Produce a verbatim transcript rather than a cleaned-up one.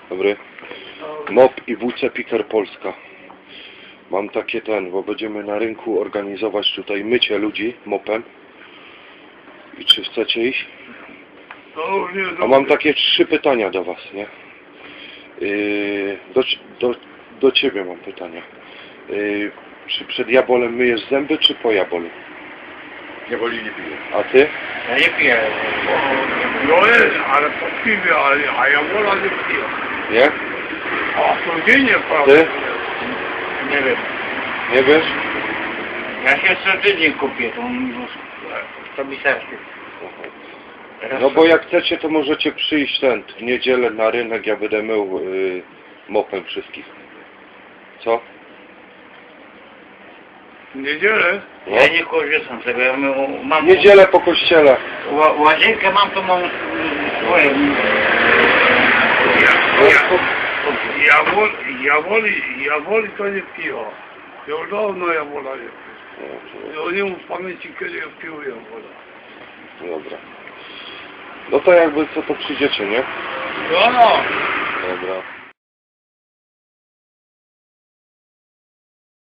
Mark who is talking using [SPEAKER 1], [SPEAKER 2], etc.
[SPEAKER 1] Dobry. Mop i W C Piker Polska. Mam takie ten, bo będziemy na rynku organizować tutaj mycie ludzi mopem. I czy chcecie iść? A mam takie trzy pytania do was, nie? Yy, do, do, do ciebie mam pytania. Yy, czy przed jabolem myjesz zęby, czy po jabolu?
[SPEAKER 2] Jaboli nie piję.
[SPEAKER 1] A ty?
[SPEAKER 3] Ja nie piję.
[SPEAKER 2] No jest, ale po piwie, ale, a jabola nie piję.
[SPEAKER 1] Nie?
[SPEAKER 2] A codziennie prawda?
[SPEAKER 1] Ty?
[SPEAKER 3] Nie wiem.
[SPEAKER 1] Nie wiesz?
[SPEAKER 3] Ja się co tydzień kupię, to to mi serce.
[SPEAKER 1] No bo jak chcecie, to możecie przyjść ten, w niedzielę na rynek, ja będę mył yy, mopem wszystkich. Co?
[SPEAKER 2] W niedzielę?
[SPEAKER 1] No.
[SPEAKER 3] Ja nie korzystam z tego, ja mam...
[SPEAKER 1] Niedzielę po kościele.
[SPEAKER 3] Ła, łazienkę mam, to mam swoje.
[SPEAKER 2] Ja, ja, ja, woli, ja, woli, ja woli to nie piję. Już dawno jabola nie piję. Ja nie mam w pamięci, kiedy ja pił jabola.
[SPEAKER 1] Dobra. No to jakby co, to przyjdziecie, nie?
[SPEAKER 2] No, no.
[SPEAKER 1] Dobra.